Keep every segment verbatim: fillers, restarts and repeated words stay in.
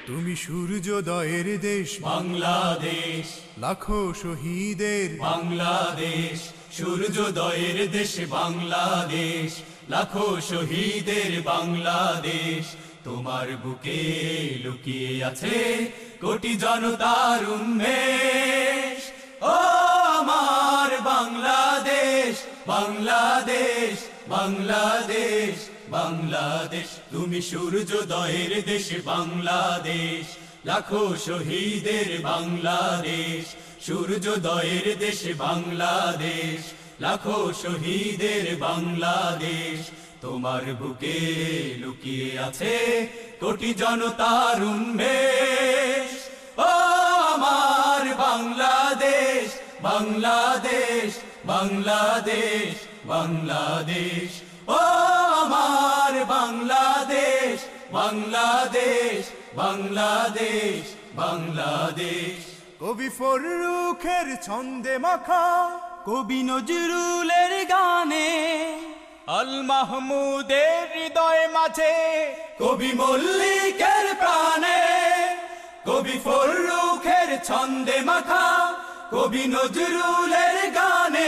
তুমি সূর্যোদয়ের দেশ বাংলাদেশ, লাখো শহীদের বাংলাদেশ, সূর্যোদয়ের দেশ বাংলাদেশ, লাখো শহীদের বাংলাদেশ। তোমার বুকে লুকিয়ে আছে কোটি জনতার উন্মেষ। ও আমার বাংলাদেশ, বাংলাদেশ, বাংলাদেশ, বাংলাদেশ। তুমি সূর্যোদয়ের দেশ বাংলাদেশ, লাখো শহীদের বাংলাদেশ। সূর্যোদয়ের দেশ বাংলাদেশ, লাখো শহীদের বাংলাদেশ। তোমার বুকে লুকিয়ে আছে কোটি জনতার উন্মেষ। ও আমার বাংলাদেশ, বাংলাদেশ, বাংলাদেশ, বাংলাদেশ। ও আমার বাংলাদেশ, বাংলাদেশ, বাংলাদেশ, বাংলাদেশ। কবি ফররুখের ছন্দে মাখা, কবি নজরুলের গানে, আল মাহমুদের হৃদয় মাঝে, কবি মল্লিকের প্রাণে, কবি ফররুখের ছন্দে মাখা, কবি নজরুলের গানে,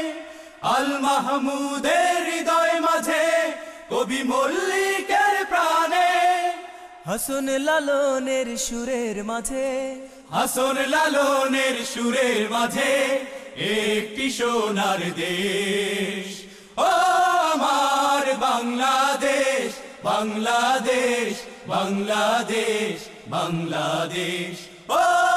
আল মাহমুদের হৃদয় মাঝে, কবি মল্লিকের প্রাণে, হাসন লালনের সুরের মাঝে, হাসন লালনের সুরের মাঝে একটি সোনার দেশ। ও আমার বাংলাদেশ, বাংলাদেশ, বাংলাদেশ, বাংলাদেশ। ও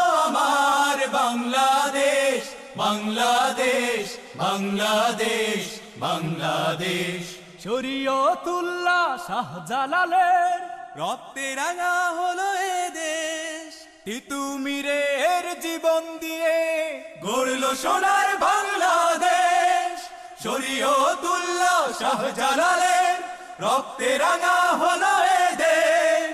আমার বাংলাদেশ, বাংলাদেশ, বাংলাদেশ, বাংলাদেশ। শরীয়তুল্লাহ শাহজালালের রক্তে রাঙা হলো এ দেশ। তিতুমিরের জীবন দিয়ে গড়ল সোনার বাংলাদেশ। শরীয়তুল্লাহ শাহজালালের রক্তে রাঙা হলো এ দেশ।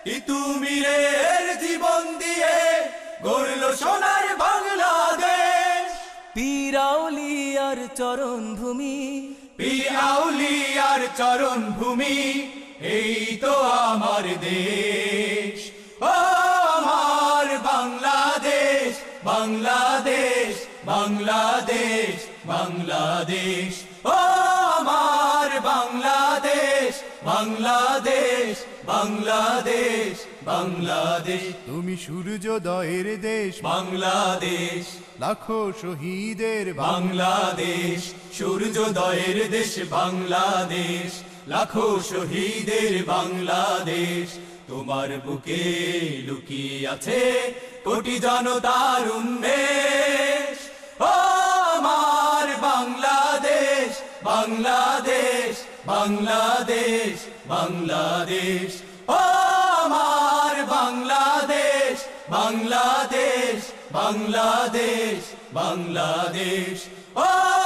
তিতুমিরের জীবন দিয়ে গড়ল সোনার বাংলাদেশ। পীর আউলিয়ার চরণ ভূমি, পীর আউলিয়ার চরণ ভূমি, এই তো আমার দেশ। ও আমার বাংলাদেশ, বাংলাদেশ, বাংলাদেশ, বাংলাদেশ। ও আমার বাংলাদেশ, বাংলাদেশ, বাংলাদেশ, বাংলাদেশ। তুমি সূর্যোদয়ের দেশ বাংলাদেশ, লাখো শহীদের বাংলাদেশ। সূর্যোদয়ের দেশ বাংলাদেশ, লাখো শহীদের বাংলাদেশ। তোমার বুকে লুকিয়ে আছে কোটি জনতার উন্মেষ। ও আমার বাংলাদেশ, বাংলাদেশ, বাংলাদেশ, বাংলাদেশ। ও আমার বাংলাদেশ, বাংলাদেশ, বাংলাদেশ, বাংলাদেশ। ও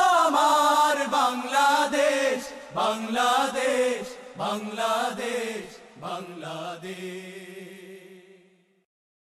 আমার বাংলাদেশ, বাংলাদেশ, বাংলাদেশ, বাংলাদেশ।